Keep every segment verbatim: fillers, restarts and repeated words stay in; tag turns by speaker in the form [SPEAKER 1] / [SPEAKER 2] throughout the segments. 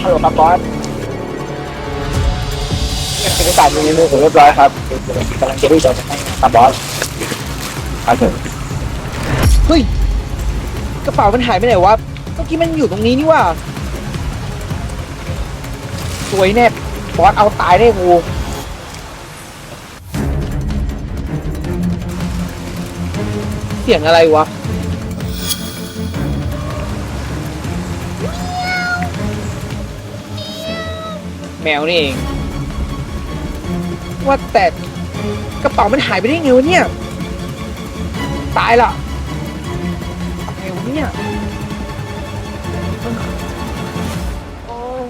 [SPEAKER 1] ฮัลโหลครับบอสเอกสารอยู่ในมือผมเรียบร้อยครับกำลังจะรีบส่งให้ครับบอสครับผมเฮ้ยกระเป๋ามันหายไปไหนวะเมื่อกี้มันอยู่ตรงนี้นี่ว่าสวยแน่บอสเอาตายได้กูเสียงอะไรวะแมวนี่เองว่าแต่กระเป๋ามันหายไปได้ไงวะเนี่ยตายละไงวะเนี่ยโอ้ย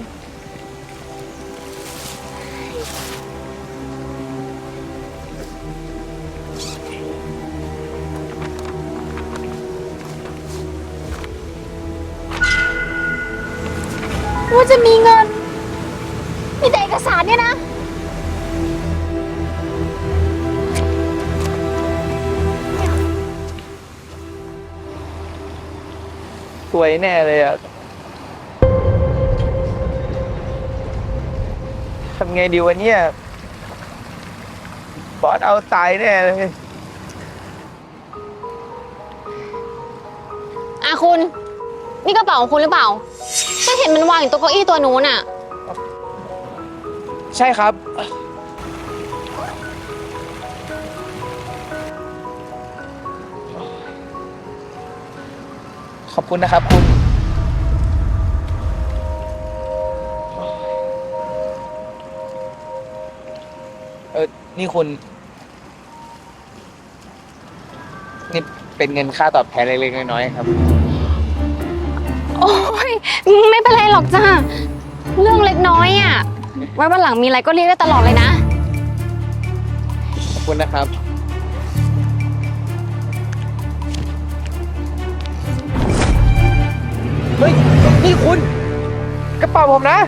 [SPEAKER 2] ว่าจะมีเงิน มีแต่เอกสารเนี่ยนะ
[SPEAKER 1] สวยแน่เลยอะทำไงดีวะเนี่ยบอสเอาตายแน่เลย
[SPEAKER 2] อ่ะคุณ นี่กระเป๋าของคุณหรือเปล่าฉันเห็นมันวางอยู่ตรงเก้าอี้ตัวนู้นอ่ะ
[SPEAKER 1] ใช่ครับ ขอบคุณนะครับคุณ เออ นี่คุณ นี่เป็นเงินค่าตอบแทนเล็กๆน้อยๆครับ
[SPEAKER 2] โอ้ยไม่เป็นไรหรอกจ้าเรื่องเล็กน้อยอ่ะไว้วันหลังมีอะไรก็เรียกได้ตลอดเลยนะ
[SPEAKER 1] ขอบคุณนะครับ เฮ้ย นี่คุณ กระเป๋าผมนะ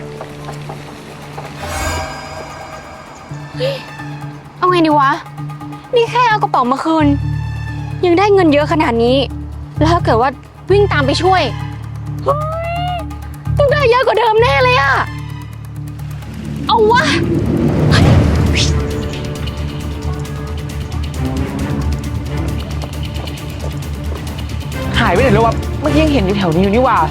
[SPEAKER 2] เอาไงดีวะ นี่แค่เอากระเป๋ามาคืน ยังได้เงินเยอะขนาดนี้ แล้วถ้าเกิดว่าวิ่งตามไปช่วยเฮ้ยต้องได้เยอะกว่าเดิมแน่เลยอะเอาวะ
[SPEAKER 1] หายไปไหนแล้ววะ เมื่อกี้ยังเห็นอยู่แถวนี้อยู่นี่หว่า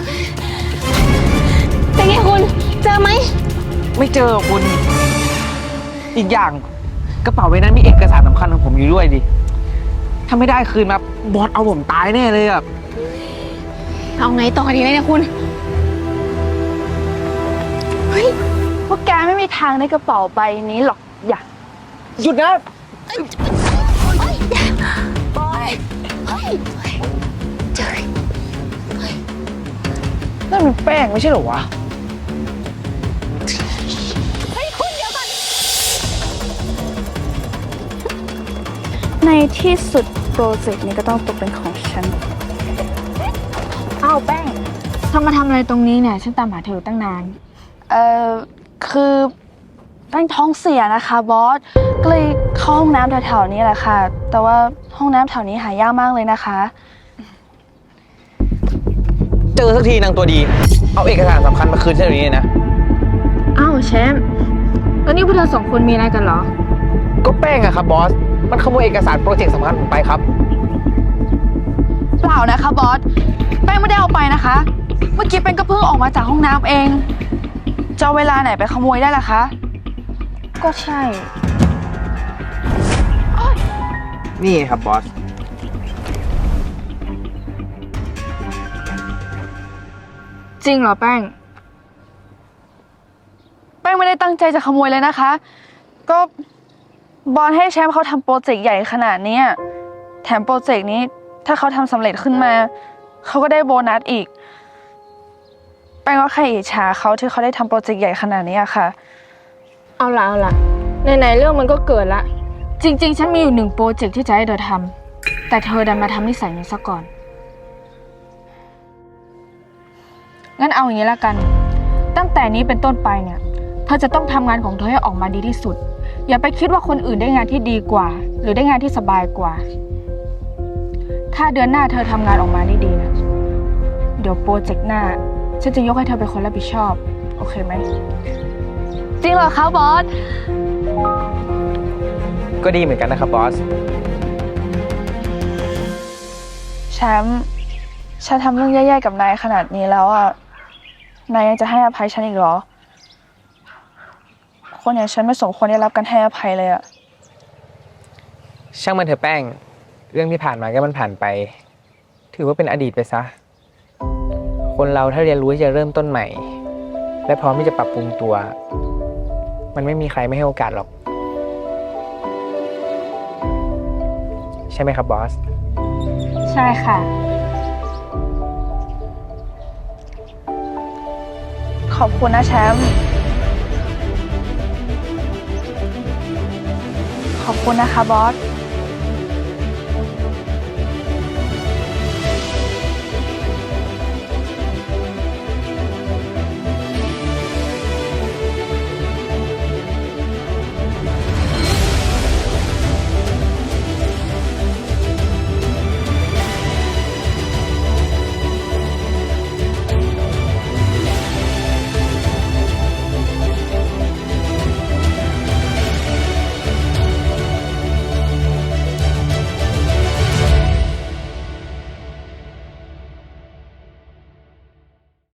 [SPEAKER 2] เป็นไงคุณ เจอไหม
[SPEAKER 1] ไม่เจอคุณ อีกอย่างกระเป๋าใบนั้นมีเอกสารสำคัญของผมอยู่ด้วยดิ ถ้าไม่ได้คืนมาบอสเอาผมตายแน่เลยอะ
[SPEAKER 2] เอาไงต่อดีเลยเนี่ยคุณ เฮ้ย
[SPEAKER 3] พวกแกไม่มีทางในกระเป๋าใบนี้หรอกอย่า
[SPEAKER 1] หยุดนะ
[SPEAKER 2] บอยเฮ้ยเจอ
[SPEAKER 1] นั่นมันแป้งไม่ใช่เหรอวะ
[SPEAKER 2] เฮ้ยคุณเดี๋ยวก่อน
[SPEAKER 3] ในที่สุดโปรเจกต์นี้ก็ต้องตกเป็นของฉัน
[SPEAKER 4] อ้าวแป้งทำมาทำอะไรตรงนี้เนี่ย ฉันตามหาเธอตั้งนาน
[SPEAKER 3] เอ่อ คือแป้งท้องเสียนะคะบอส ก็เลยเข้าห้องน้ำแถวๆนี้แหละค่ะ แต่ว่าห้องน้ำแถวนี้หายากมากเลยนะคะ
[SPEAKER 1] เจอสักทีนางตัวดี เอาเอกสารสำคัญมาคืนฉันเดี๋ยวนี้เลยนะ
[SPEAKER 4] อ้าวแชมป์แล้วนี่พวกเธอสองคนมีอะไรกันเหรอ
[SPEAKER 1] ก็แป้งอะครับบอส มันขโมยเอกสารโปรเจกต์สำคัญผมไปครับ
[SPEAKER 3] เปล่านะคะบอส แป้งไม่ได้เอาไปนะคะ เมื่อกี้แป้งก็เพิ่งออกมาจากห้องน้ำเองจะเอาเวลาไหนไปขโมยได้ล่ะคะ
[SPEAKER 4] ก็ใช่
[SPEAKER 1] นี่ครับบอส
[SPEAKER 4] จริงเหรอแป้ง
[SPEAKER 3] แป้งไม่ได้ตั้งใจจะขโมยเลยนะคะ ก็บอลให้แชมป์เขาทำโปรเจกต์ใหญ่ขนาดนี้แถมโปรเจกต์นี้ถ้าเขาทำสำเร็จขึ้นมา เขาก็ได้โบนัสอีก แป้งก็แค่อิจฉาเขาที่เขาได้ทำโปรเจกต์ใหญ่ขนาดนี้อะค่ะ
[SPEAKER 4] เอาละเอาละไหนๆเรื่องมันก็เกิดละ จริง ๆ ฉันมีอยู่หนึ่งโปรเจกต์ที่จะให้เธอทำแต่เธอดันมาทำนิสัยนี้ซะก่อน งั้นเอาอย่างนี้ละกัน ตั้งแต่นี้เป็นต้นไปเนี่ย เธอจะต้องทำงานของเธอให้ออกมาดีที่สุด อย่าไปคิดว่าคนอื่นได้งานที่ดีกว่า หรือได้งานที่สบายกว่า ถ้าเดือนหน้าเธอทำงานออกมาได้ดีนะเดี๋ยวโปรเจกต์หน้าฉันจะยกให้เธอเป็นคนรับผิดชอบ
[SPEAKER 3] โอเคไหม
[SPEAKER 2] จริงเหรอคะบอส
[SPEAKER 1] ก็ดีเหมือนกันนะครับบอส
[SPEAKER 3] แชมป์ฉันทำเรื่องแย่ๆกับนายขนาดนี้แล้วอ่ะ นายยังจะให้อภัยฉันอีกเหรอ คนอย่างฉันไม่สมควรได้รับการให้อภัยเลยอ่ะ
[SPEAKER 5] ช่างมันเถอะแป้ง เรื่องที่ผ่านมาก็มันผ่านไป ถือว่าเป็นอดีตไปซะ คนเราถ้าเรียนรู้ที่จะเริ่มต้นใหม่ และพร้อมที่จะปรับปรุงตัว มันไม่มีใครไม่ให้โอกาสหรอก ใช่ไหมครับบอส
[SPEAKER 4] ใช่ค่ะ
[SPEAKER 3] ขอบคุณนะแชมป์ ขอบคุณนะคะบอส